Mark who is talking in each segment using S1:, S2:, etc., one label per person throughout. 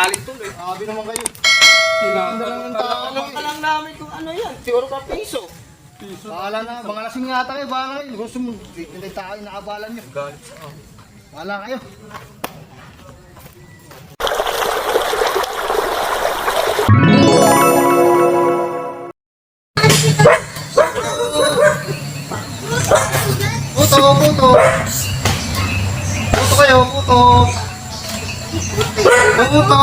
S1: Galit tuloy.
S2: Sabi naman kayo.
S1: Tinatanong ka lang namin kung ano yan. Siguro ka piso.
S2: Bahala na, mga lasing yata kayo, bahala kayo. Gusto mo, hindi tayo inaabalan nyo.
S1: Galit.
S2: Bahala kayo. Puto, puto. Puto kayo, puto. Puto.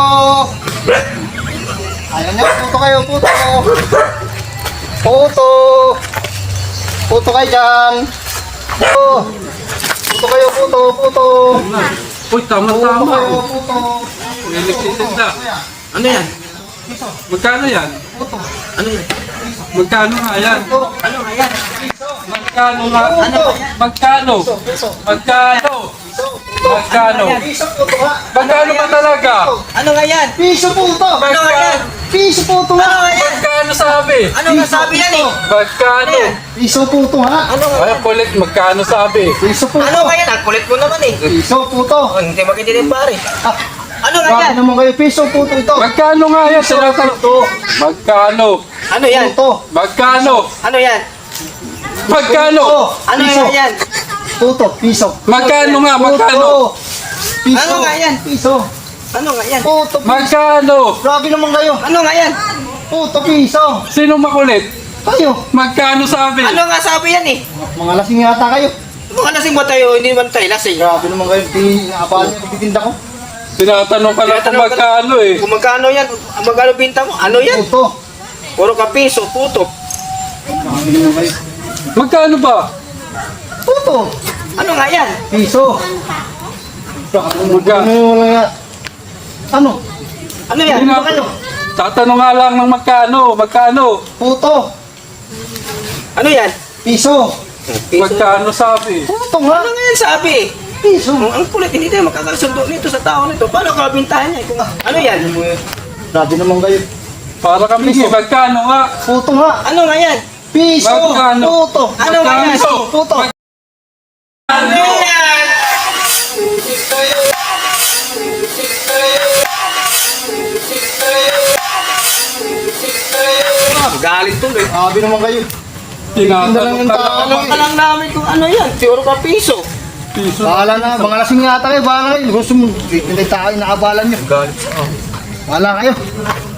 S2: Ayaw niya, puto kayo, puto. Puto. Puto kayo dyan. Puto. Puto kayo, puto, puto.
S1: Uy,
S2: Puto
S1: tama-tama.
S2: kayo, puto.
S1: Electric na. Ano yan? Magkano yan?
S2: Puto.
S1: Ano yan? Magkano nga yan?
S2: Ano nga yan?
S1: Magkano nga?
S2: Ano?
S1: Magkano?
S2: Piso.
S1: Magkano? Magkano?
S2: Piso puto ha.
S1: Magkano ba talaga?
S3: Ano nga yan?
S2: Piso puto.
S3: Ano nga yan?
S2: Piso puto
S3: Ano
S2: ha.
S3: nga yan?
S1: Magkano sabi?
S3: Ano nga sabi yan eh?
S1: Magkano?
S2: Piso puto ha.
S3: Ano nga
S1: Ay,
S3: yan?
S1: kulit, magkano sabi?
S2: Piso puto.
S3: Ano nga yan? Ang kulit mo naman eh.
S2: Piso puto.
S3: Oh, hindi magiging pare.
S2: Ah,
S3: Ano nga
S2: bakit
S3: yan?
S2: naman kayo? Piso puto ito.
S1: Magkano nga yan? Tinatanong to. Magkano?
S3: Ano yan?
S2: Puto.
S1: Magkano?
S3: Ano yan?
S1: Magkano?
S3: Ano
S2: Piso.
S3: nga yan?
S2: Puto. Piso.
S1: Magkano nga? Magkano?
S2: Puto. Piso.
S3: Ano nga yan?
S2: Piso.
S3: Ano nga yan?
S2: Puto.
S1: Magkano?
S2: Grabe naman kayo.
S3: Ano nga yan?
S2: Puto. Piso.
S1: Sino makulit?
S2: Kayo.
S1: Magkano sabi?
S3: Ano nga sabi yan eh?
S2: Mga lasing yata kayo.
S3: Mga lasing ba tayo? Hindi naman tayo lasing.
S2: Grabe naman kayo. Inaabalan niyo pagtitinda ko.
S1: Tinatanong ka lang kung magkano eh.
S3: Kung magkano yan? Ang magkano binta mo? Ano yan?
S2: Puto.
S3: Puro ka piso, puto.
S2: Grabe naman kayo.
S1: Magkano ba?
S2: Puto.
S3: Ano nga yan?
S2: Piso.
S1: Magkano?
S2: Ano?
S3: Ano yan?
S1: Hindi
S2: Ano
S1: na-
S2: kayo?
S1: Tatanong nga lang ng magkano. Magkano?
S2: Puto.
S3: Ano yan?
S2: Piso.
S3: Piso.
S1: Magkano sabi?
S2: Puto nga.
S3: Ano nga yan sabi?
S2: Piso.
S3: Ang kulit, hindi tayo makakasundo nito sa tao nito. Paano ka bintahan niya? Kung, ano yan?
S2: Grabe naman kayo.
S1: Para kami
S2: Piso.
S1: magkano nga?
S2: Puto nga.
S3: Ano nga yan?
S2: Piso.
S1: Magkano?
S2: Puto.
S3: Ano nga yan?
S2: Piso. Puto.
S3: Ano yan? Galit tuloy.
S2: Grabe naman kayo. Tinda lang yung tao.
S3: Tanong ka lang namin kung ano yan. Siguro ka piso.
S1: Piso.
S2: Bahala na. Mga lasing yata kayo. Bahala kayo. Gusto mo, hindi tayo inaabalan nyo.
S1: Galit.
S2: Bahala kayo.